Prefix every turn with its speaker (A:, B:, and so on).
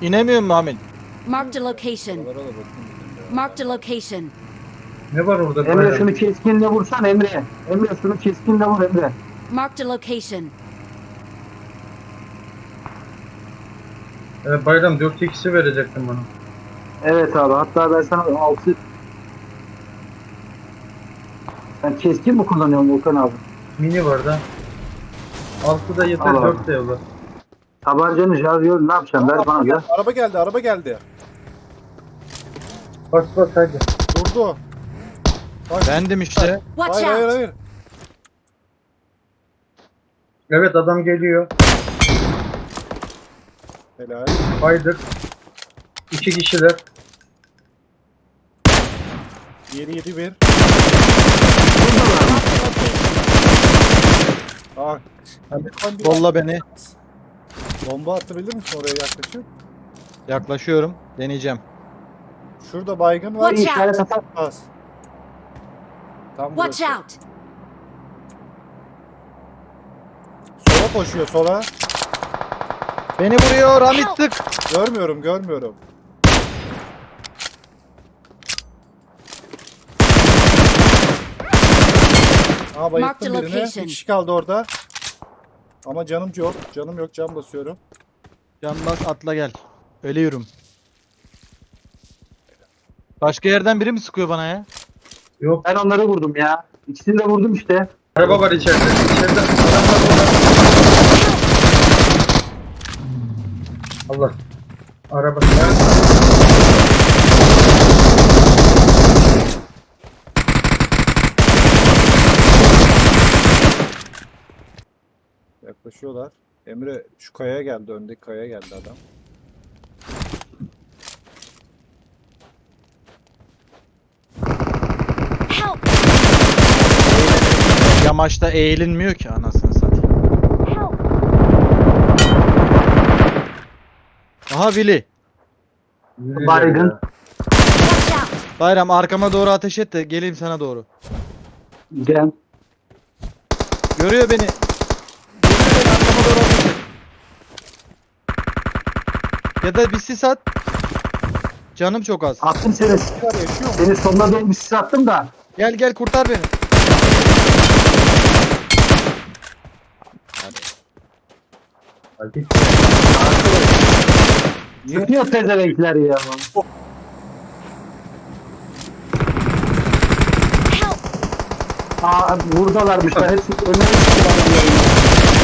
A: İnemiyor mu Hamit?
B: Marked a location. Marked a location.
C: Ne var orada?
D: Emre
C: Bayram?
D: şunu keskinle vursan Emre. Emre şunu keskinle vur Emre.
B: Marked a location.
C: Bayram 4x'i verecektim bana.
D: Evet abi, hatta ben sana 6... Sen keskin mi kullanıyorsun Volkan abi?
C: Mini var da. 6 da yeter,
D: Al abi.
C: 4 de yolla.
D: Tabancanı şarjör ne yapacaksın? Ver bana da.
E: Araba geldi, araba geldi.
C: Bas hadi.
E: Durdu.
A: Bendim işte.
B: Watch
E: Hayır, hayır,
B: out.
E: hayır.
C: Evet, adam geliyor.
E: Helal.
C: Haydi. 2 kişiler.
E: Yeri 7-1. Ah.
A: Bolla beni.
E: Bomba atabilir misin oraya yaklaşıp?
A: Yaklaşıyorum. Deneyeceğim.
E: Şurada baygın var.
B: Watch
D: İşaret
B: out.
D: atar.
E: Az. Tam
B: Watch
E: burası.
B: out.
E: Sola koşuyor, sola.
A: Beni vuruyor Hamit, tık.
E: Görmüyorum, görmüyorum. Aa, bayılttım
B: Marked
E: birini. Bir
B: location.
E: kişi kaldı orada. Ama canım yok. Canım yok, can basıyorum.
A: Can bas, atla gel. Ölüyorum. Başka yerden biri mi sıkıyor bana ya?
C: Yok.
D: Ben onları vurdum ya. İkisini de vurdum işte.
C: Araba var içeride. İçeride adam var orada. Allah. Araba.
E: Yaklaşıyorlar. Emre şu kayaya geldi. Öndeki kayaya geldi adam.
B: Help.
A: Yamaçta eğilinmiyor ki anasını satayım.
B: Help.
A: Aha Willy.
D: Baygın.
B: Watch out.
A: Bayram arkama doğru ateş et de geleyim sana doğru.
D: Gel.
A: Görüyor beni. Görüyor beni, arkama doğru ateş et. Ya da bir sis at. Canım çok az.
D: Attım seni.
E: Var, yaşıyor mu?
D: Seni sonuna doğru bir sis attım da.
A: Gel gel kurtar beni.
C: Hadi.
D: Sıkıyor pezevenkler ya.
B: Help.
D: Aa, buradalarmışlar. Hepsi önüne çıkıyorlar.